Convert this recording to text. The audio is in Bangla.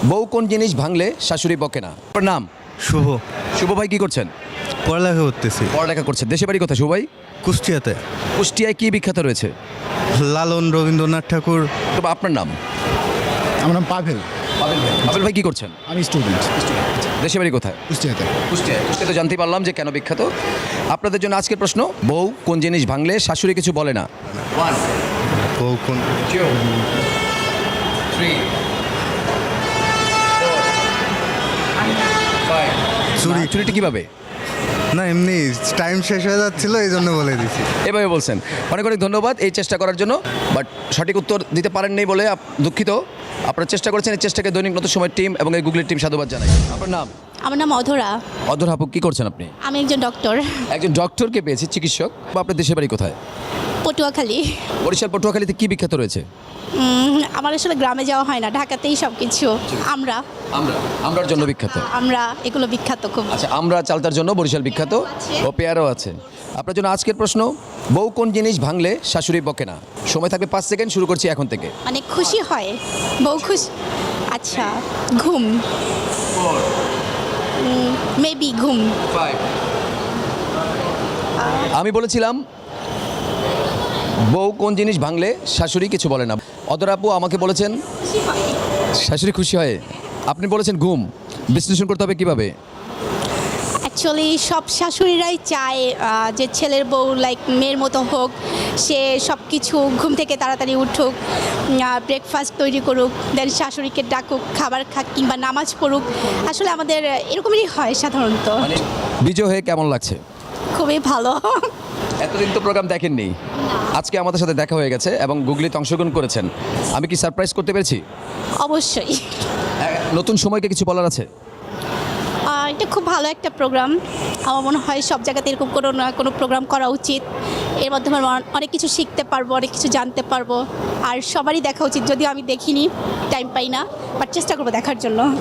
বউ কোন জিনিস ভাঙলে শাশুড়ি বকে না? আপনার নাম? শুভ। শুভ ভাই কি করছেন? পড়ালেখা করতেছি পড়ালেখা করছেন। দেশে বাড়ি কোথায় শুভ ভাই? কুষ্টিয়াতে। কুষ্টিয়ায় কি বিখ্যাত রয়েছে? লালন, রবীন্দ্রনাথ ঠাকুর। তবে আপনার নাম? আমার নাম পাভেল। আবেল ভাই কি করছেন? আমি স্টুডেন্ট দেশে বাড়ি কোথায়? কুষ্টিয়াতে। কুষ্টিয়াতে জানতে পারলাম যে কেন বিখ্যাত। আপনাদের জন্য আজকের প্রশ্ন, বউ কোন জিনিস ভাঙলে শাশুড়ি কিছু বলে না? বউ কোন? চুরি। চুরিটি কিভাবে? না, এমনি টাইম শেষ হয়ে যাচ্ছিল এই জন্য বলে দিছি। এভাবে বলছেন। অনেক অনেক ধন্যবাদ এই চেষ্টা করার জন্য, বাট সঠিক উত্তর দিতে পারেননি বলে দুঃখিত। আপনারা চেষ্টা করেছেন, এই চেষ্টাকে দৈনিক নতুন সময় টিম এবং এই গুগলের টিম সাধুবাদ জানাই। আপনার নাম? আমার নাম অধরা। অধর হাপু, কি করছেন আপনি? আমি একজন ডক্টর। একজন ডক্টরকে পেয়েছি, চিকিৎসক। বা আপনার দেশের বাড়ি কোথায়? পটুয়াখালী। বরিশাল পটুয়াখালীতে কি বিখ্যাত রয়েছে? আমার আসলে গ্রামে যাওয়া হয় না, ঢাকাতেই সব কিছু। আমরার জন্য বিখ্যাত। আমরা এগুলো বিখ্যাত খুব। আচ্ছা, আমরা চালতার জন্য বরিশাল বিখ্যাত ও পেয়ারও আছে। আপনার জন্য আজকের প্রশ্ন, বউ কোন জিনিস ভাঙলে শাশুড়ি বকে না? সময় থাকবে 5 সেকেন্ড, শুরু করছি এখন থেকে। মানে খুশি হয়, বউ খুশি। আচ্ছা, ঘুম। মেবি ঘুম। আমি বলেছিলাম বউ কোন জিনিস ভাঙলে শাশুড়ি কিছু বলে না। অদর আপু আমাকে বলেছেন শাশুড়ি খুশি হয়, আপনি বলেছেন ঘুম। বিশ্লেষণ করতে হবে কিভাবে? অ্যাকচুয়ালি সব শাশুড়িরাই চায় যে ছেলের বউ লাইক মেয়ের মতো হোক, সে সব কিছু ঘুম থেকে তাড়াতাড়ি উঠুক, ব্রেকফাস্ট তৈরি করুক, দেন শাশুড়িকে ডাকুক, খাবার খাক কিংবা নামাজ পড়ুক। আসলে আমাদের এরকমই হয় সাধারণত। মানে বিজয় হয়ে কেমন লাগছে? খুবই ভালো। এতদিন তো প্রোগ্রাম দেখেননি, আজকে আমাদের সাথে দেখা হয়ে গেছে এবং গুগলিতে অংশগ্রহণ করেছেন। আমি কি সারপ্রাইজ করতে পেরেছি? অবশ্যই। নতুন সময়কে কিছু বলার আছে? এটা খুব ভালো একটা প্রোগ্রাম। আমার মনে হয় সব জায়গাতে এরকম কোনো না কোনো প্রোগ্রাম করা উচিত। এর মাধ্যমে অনেক কিছু শিখতে পারবো, অনেক কিছু জানতে পারবো। আর সবারই দেখা উচিত, যদিও আমি দেখিনি, টাইম পাই না, বাট চেষ্টা করবো দেখার জন্য।